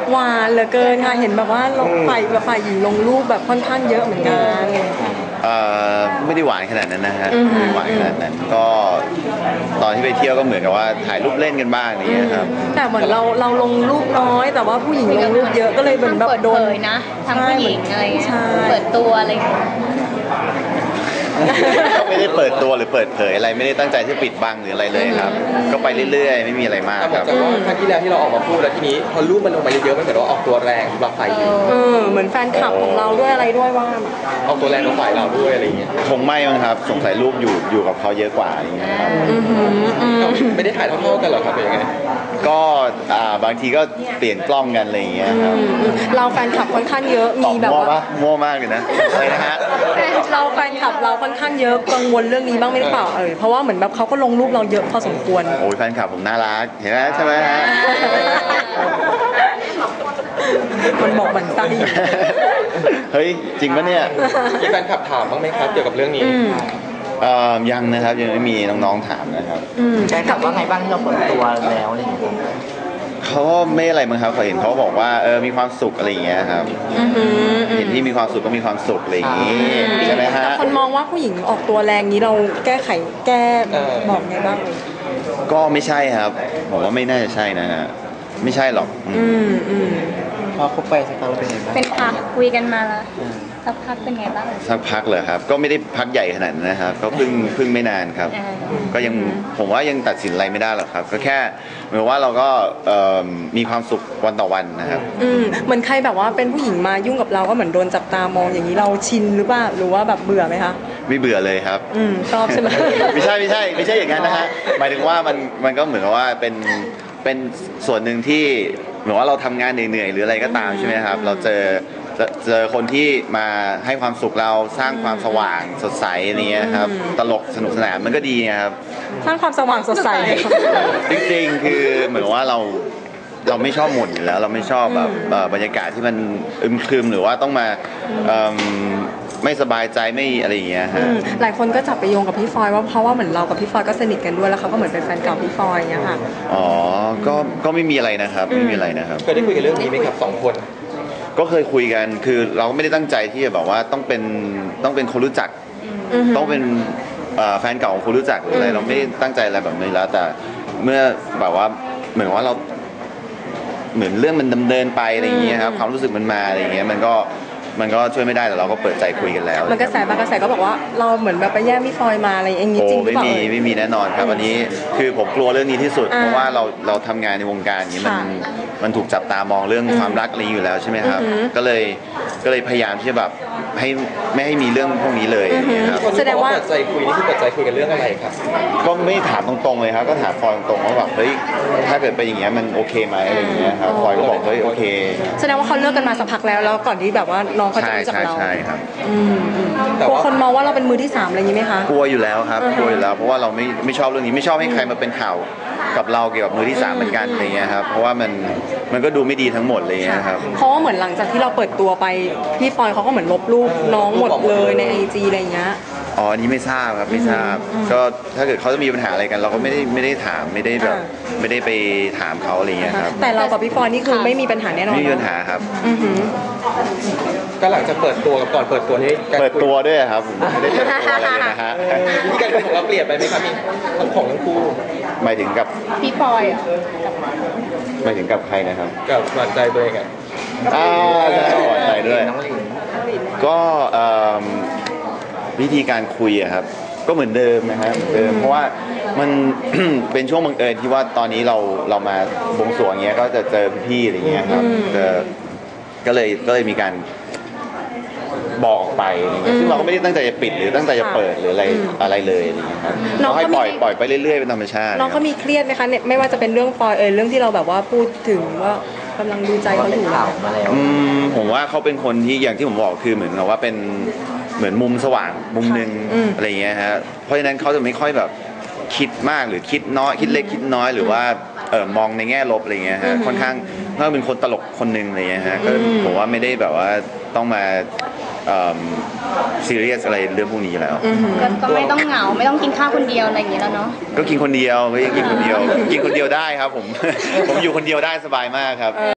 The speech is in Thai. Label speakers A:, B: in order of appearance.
A: หวานเหลือเกินค่ะเห็นแบบว่าฝ่ายหญิงลงรูปแบบค่อนข้างเยอะเหมือนกัน
B: ไม่ได้หวานขนาดนั้นนะฮะไม่ได้หวานขนาดนั้นก็ตอนที่ไปเที่ยวก็เหมือนกับว่าถ่ายรูปเล่นกันบ้างอย่างเงี้ยครับ
A: แต่เหมือนเราลงรูปน้อยแต่ว่าผู้หญิงลงรูปเยอะก็เลยเหมือนแบบโดน
C: นะทั้งผู้หญิงอะไรเงี้ยเปิดตัวอะไร
B: ไม่ได้เปิดตัวหรือเปิดเผยอะไรไม่ได้ตั้งใจที่ปิดบังหรืออะไรเลยครับก็ไปเรื่อยๆไม่มีอะไรมากครับ
D: แต่ว่าครั้งที่แล้วที่เราออกมาพูดแล้วทีนี้พอรูปมันลงมาเยอะๆมันเหมือนว่าออกตัวแรงสำหรับฝ่ายหญิง
A: เหมือนแฟนคลับของเราด้วยอะไรด้วยว่า
D: ออกตัวแรงกับฝ่ายเราด้วยอะไรอย่างเงี้ย
B: คงไม่มั้งครับสงสัยรูปอยู่กับเขาเยอะกว่าอย่างเงี้ยครับ
D: ไม่ได้ถ่ายเท่าๆกันหรอครับเป็นยังไง
B: ก็บางทีก็เปลี่ยนกล้องกันอะไรอย่างเงี้ยครับ
A: เราแฟนคลับค่อนข้างเยอะมีแบบว่า
B: มั่วมากเลยนะอะไรนะฮะ
A: เราแฟนคลับเราค่อนข้างเยอะกังวลเรื่องนี้บ้างไหมหรือเปล่าเพราะว่าเหมือนแบบเขาก็ลงรูปเราเยอะพอสมควร
B: โอ้ยแฟนคลับผมน่ารักเห็นไหมใช่ไหมฮะ
A: มันบอกมันไส้
B: เฮ้ยจริงปะเนี่ย
D: มีแฟนคลับถามบ้างไหมครับเกี่ยวกับเรื่องนี้
B: ยังนะครับยังไม่มีน้องๆถามนะครับ
E: แฟนคลับว่าไงบ้างที่เราเปิดตัวแล้วอะไรอย่างเงี้ย
B: เขาไม่อะไรมั้งครับเขาเห็นเขาบอกว่ามีความสุขอะไรอย่างเงี้ยครับเห็นที่มีความสุขก็มีความสุขอะไรอย่างงี้ใช่ไหมฮะ
A: คนมองว่าผู้หญิงออกตัวแรงนี้เราแก้บอกไงบ้าง
B: ก็ไม่ใช่ครับผมว่าไม่น่าจะใช่นะฮะไม่ใช่หรอก
E: พอคบไปสักพักเป็นไงบ้าง
C: เป็นพักคุยกันมาแล้วสักพักเป็นไงบ้าง
B: สักพักเลยครับก็ไม่ได้พักใหญ่ขนาดนั้นนะครับก็เพิ่งไม่นานครับก็ยังผมว่ายังตัดสินอะไรไม่ได้หรอกครับก็แค่เหมือนว่าเราก็มีความสุขวันต่อวันนะครับ
A: เหมือนใครแบบว่าเป็นผู้หญิงมายุ่งกับเราก็เหมือนโดนจับตามองอย่างนี้เราชินหรือเปล่าหรือว่าแบบเบื่อไหมคะ
B: ไม่เบื่อเลยครับ
A: ชอบใช่ไหม
B: ไม่ใช่อย่างนั้นนะฮะหมายถึงว่ามันก็เหมือนกับว่าเป็นส่วนหนึ่งที่เหมือนว่าเราทำงานเหนื่อยๆหรืออะไรก็ตามใช่ไหมครับเราเจอคนที่มาให้ความสุขเราสร้างความสว่างสดใสนี้ครับตลกสนุกสนานมันก็ดีครับ
A: สร้างความสว่างสดใส
B: จริงๆคือเหมือนว่าเราไม่ชอบหม่นอยู่แล้วเราไม่ชอบแบบบรรยากาศที่มันอึมครึมหรือว่าต้องมาไม่สบายใจไม่อะไรอย่างเงี้ยฮะ
A: หลายคนก็จับไปโยงกับพี่ฟอยว่าเพราะว่าเหมือนเรากับพี่ฟอยก็สนิทกันด้วยแล้วเขาก็เหมือนเป็นแฟนเก่าพี่ฟอยอย่างเงี้ยค่ะ
B: อ๋อก็ไม่มีอะไรนะครับไม่มีอะไรนะครับ
D: เคยได้คุยกันเรื่องนี้ไหมครับ2 คน
B: ก็เคยคุยกันคือเราก็ไม่ได้ตั้งใจที่จะแบบว่าต้องเป็นคนรู้จักต้องเป็นแฟนเก่าของคนรู้จักหรืออะไรเราไม่ตั้งใจอะไรแบบนี้แล้วแต่เมื่อแบบว่าเหมือนว่าเราเหมือนเรื่องมันดำเนินไปอะไรอย่างเงี้ยครับความรู้สึกมันมาอะไรอย่างเงี้ยมันก็ช่วยไม่ได้แต่เราก็เปิดใจคุยกันแล้ว
A: มันกระแสบางกระแสก็บอกว่าเราเหมือนแบบไปแย่งพี่ฟอยมาอะไรอย่างงี้จริงหรือเปล่า
B: ไม่มีแน่นอนครับอันนี้คือผมกลัวเรื่องนี้ที่สุดเพราะว่าเราทำงานในวงการนี้มันถูกจับตามองเรื่องความรักอะไรอยู่แล้วใช่ไหมครับก็เลยพยายามที่จะแบบไม่ให้มีเรื่องพวกนี้เลยครับ
D: แสดงว่าเปิดใจคุยนี่คือเปิดใจคุยกันเรื่องอะไรครับ
B: ก็ไม่ถามตรงๆเลยครับก็ถามฟอยตรงๆว่าแบบเฮ้ยถ้าเกิดไปอย่างเงี้ยมันโอเคไหมอะไรอย่างเงี้ยครับฟอยก็บอกเฮ้ยโอเค
A: แสดงว่าเขาเลิกกันมาสักพักแล้วก่อนที่แบบว่าน้องเขาจะรู้จักเรา
B: ใช่ครับ
A: กลัวคนมองว่าเราเป็นมือที่3อะไรอย่างนี้ไหมคะ
B: กลัวอยู่แล้วครับกลัวอยู่แล้วเพราะว่าเราไม่ชอบเรื่องนี้ไม่ชอบให้ใครมาเป็นข่าวกับเราเกี่ยวกับมือที่3เหมือนกันอะไรเงี้ยครับเพราะว่ามันก็ดูไม่ดีทั้งหมดเลยครับ
A: เพราะว่าเหมือนหลังจากที่เราเปิดตัวไปพี่ฟอยเขาก็เหมือนลบรูปน้องหมดเลยใน IG อะไรเงี้ย
B: อ๋ออันนี้ไม่ทราบครับไม่ทราบก็ถ้าเกิดเขาจะมีปัญหาอะไรกันเราก็ไม่ได้ถามไม่ได้แบบไม่ได้ไปถามเขาอะไรเงี้ยครับ
A: แต่เรากับพี่ฟอยนี่คือไม่มีปัญหาแน่นอน
B: ไม่มีปัญหาครับ
D: ก็หลังจากเปิดตัวกับก่อนเปิดตัวนี่
B: เปิดตัวด้วยครับไม่ได้เปิดตัวอะไรเลยนะฮะ
D: มีการคุยของเราเปลี่ยนไปไหมครับมีของทั้งคู่
B: หมายถึงกับ
C: พี่ฟอย
B: หมายถึงกับใครนะครับ
D: กับหวานใจตัวเอง
B: ใช่หวานใจด้วยก็วิธีการคุยอะครับก็เหมือนเดิมนะครับเพราะว่ามัน เป็นช่วงบังเอิญที่ว่าตอนนี้เรามาบวงสรวงเงี้ยก็จะเจอพี่อะไรเงี้ยครับก็เลยมีการบอกออกไปซึ่งเราก็ไม่ได้ตั้งใจจะปิดหรือตั้งใจจะเปิดหรืออะไรเลยอะไรเงี้ยครับเราให้ปล่อยไปเรื่อยๆเป็นธรรมชาติ
A: น้องเขามีเครียดไหมคะเนี่ยไม่ว่าจะเป็นเรื่องฟอยเรื่องที่เราแบบว่าพูดถึงว่ากำลังดูใจเขาอยู่แล้ว
B: ผมว่าเขาเป็นคนที่อย่างที่ผมบอกคือเหมือนกับว่าเป็นเหมือนมุมสว่างมุมนึงอะไรเงี้ยฮะเพราะฉะนั้นเขาจะไม่ค่อยแบบคิดมากหรือคิดน้อยคิดเล็กคิดน้อยหรือว่ามองในแง่ลบอะไรเงี้ยฮะค่อนข้างเขาเป็นคนตลกคนนึงอะไรเงี้ยฮะก็ผมว่าไม่ได้แบบว่าต้องมาซีเรียสอะไรเรื่องพวกนี้แล้ว
C: ก็ไม่ต้องเหงาไม่ต้องกินข้าวคนเดียวอะไรอย่างเงี้ยแล้วเนาะ
B: ก็กินคนเดียวก็ยังกินคนเดียวได้ครับผมอยู่คนเดียวได้สบายมากครับ